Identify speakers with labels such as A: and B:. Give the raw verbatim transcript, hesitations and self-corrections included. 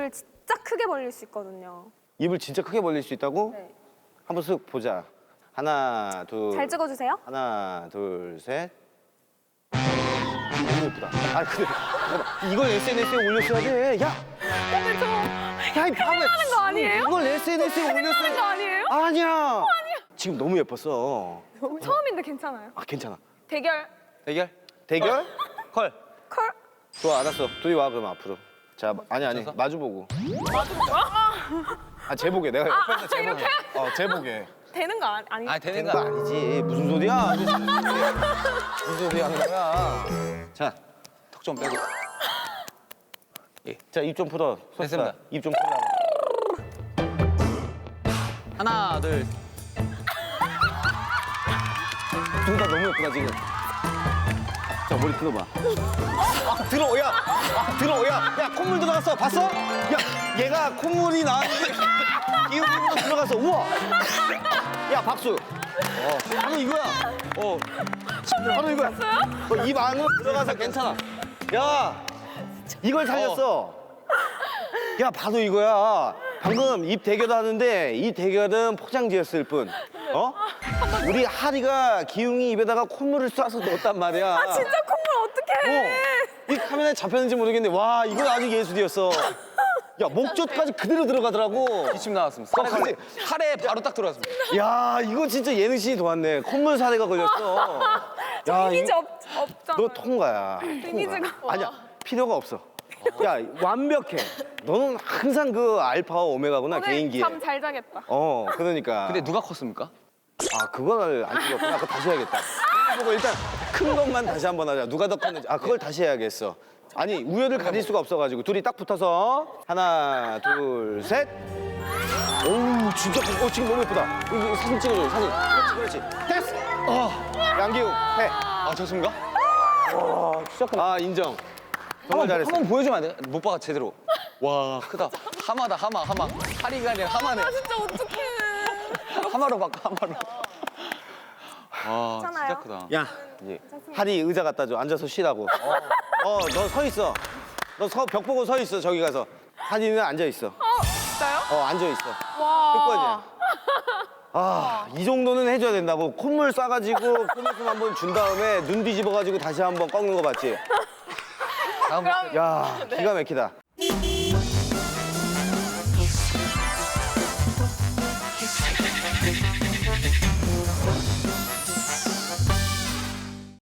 A: 입을 진짜 크게 벌릴 수 있거든요.
B: 입을 진짜 크게 벌릴 수 있다고?
A: 네.
B: 한번 쓱 보자. 하나, 둘.
A: 잘 찍어주세요.
B: 하나, 둘, 셋. 너무 예쁘다. 아, 근데 잠깐만. 이걸 에스엔에스에 올렸어야 돼. 야,
A: 근데 저
B: 야, 이 바보야.
A: 하는 거 아니에요?
B: 이걸 에스엔에스에
A: 하는 거
B: 올렸어야 돼.
A: 아니에요?
B: 아니야. 지금 너무 예뻤어.
A: 처음인데 괜찮아요.
B: 아, 괜찮아.
A: 대결
B: 대결? 대결? 컬.
A: 컬.
B: 좋아, 알았어. 둘이 와, 그럼 앞으로. 자, 아니, 아니.
C: 맞춰서?
B: 마주보고.
A: 맞은 거야?
B: 아, 제보게. 내가
A: 아,
B: 옆에서 제보게.
A: 이렇게?
B: 어, 제보게.
A: 되는 거 아니? 아니.
C: 아 되는
B: 되는
C: 거
B: 거 아니지. 무슨 소리야? 무슨 소리 하는 거야? 자,
C: 턱 좀 빼고.
B: 자, 입 좀 풀어.
C: 됐습니다.
B: 입 좀 풀어.
C: 하나 둘.
B: 둘 다 너무 예쁘다, 지금. 자, 머리 들어봐. 아, 들어, 야! 아, 들어, 야! 야, 콧물 들어갔어. 봤어? 야, 얘가 콧물이 나왔는데 기울기로 들어갔어. 우와! 야, 박수. 어, 바로 이거야. 어, 바로 이거야. 어, 입 안으로 들어가서 괜찮아. 야, 이걸 살렸어. 야, 바로 이거야. 방금 입 대결 하는데 이 대결은 포장지였을 뿐. 어? 우리 하리가 기웅이 입에다가 콧물을 쏴서 넣었단 말이야.
A: 아 진짜 콧물 어떡해?
B: 어. 이 카메라에 잡혔는지 모르겠는데 와, 이건 아주 예술이었어. 야, 목젖까지 그대로 들어가더라고.
C: 기침 나왔습니다.
B: 어,
C: 살에,
B: 그치?
C: 살에 바로 딱 들어갔습니다.
B: 야, 이거 진짜 예능신이 도왔네. 콧물 사례가 걸렸어.
A: 저 이미지
B: 이거-
A: 없, 없잖아.
B: 너 통과야.
A: 이미지가-
B: 통과. 아니야, 필요가 없어. 야, 완벽해. 너는 항상 그 알파와 오메가구나, 개인기에.
A: 잠잘 자겠다.
B: 어, 그러니까.
C: 근데 누가 컸습니까?
B: 아, 그걸 안 찍었구나. 그거 다시 해야겠다. 보고 일단 큰 것만 다시 한번 하자. 누가 더 컸는지. 아, 그걸 다시 해야겠어. 아니, 우열을 가릴 수가 없어가지고. 둘이 딱 붙어서. 하나, 둘, 셋. 오우, 진짜 커. 어, 지금 너무 예쁘다. 이거 사진 찍어줘, 사진. 그렇지, 그렇지. 됐어. 어, 양기웅, 해.
C: 아 좋습니까?
B: 와, 진짜 크다. 아, 인정. 정말
C: 한번
B: 잘했어.
C: 한번 보여주면 안 돼? 못 봐가 제대로. 와 크다. 하마다 하마 하마. 하리가 아니라 하마네.
A: 아 진짜 어떡해.
C: 하마로 바꿔 하마로. 와
A: 괜찮아요?
C: 진짜 크다.
B: 야, 하리 의자 갖다 줘. 앉아서 쉬라고. 어, 너 서 있어. 너 서, 벽 보고 서 있어, 저기 가서. 하리는 앉아 있어.
A: 어 진짜요?
B: 어, 앉아 있어.
A: 와.
B: 끝까지야. 아, 이 정도는 해줘야 된다고. 콧물 싸가지고 콧물좀 한번 준 다음에 눈 뒤집어가지고 다시 한번 꺾는 거 봤지?
C: 다음
A: 그럼
B: 야, 기가 막히다.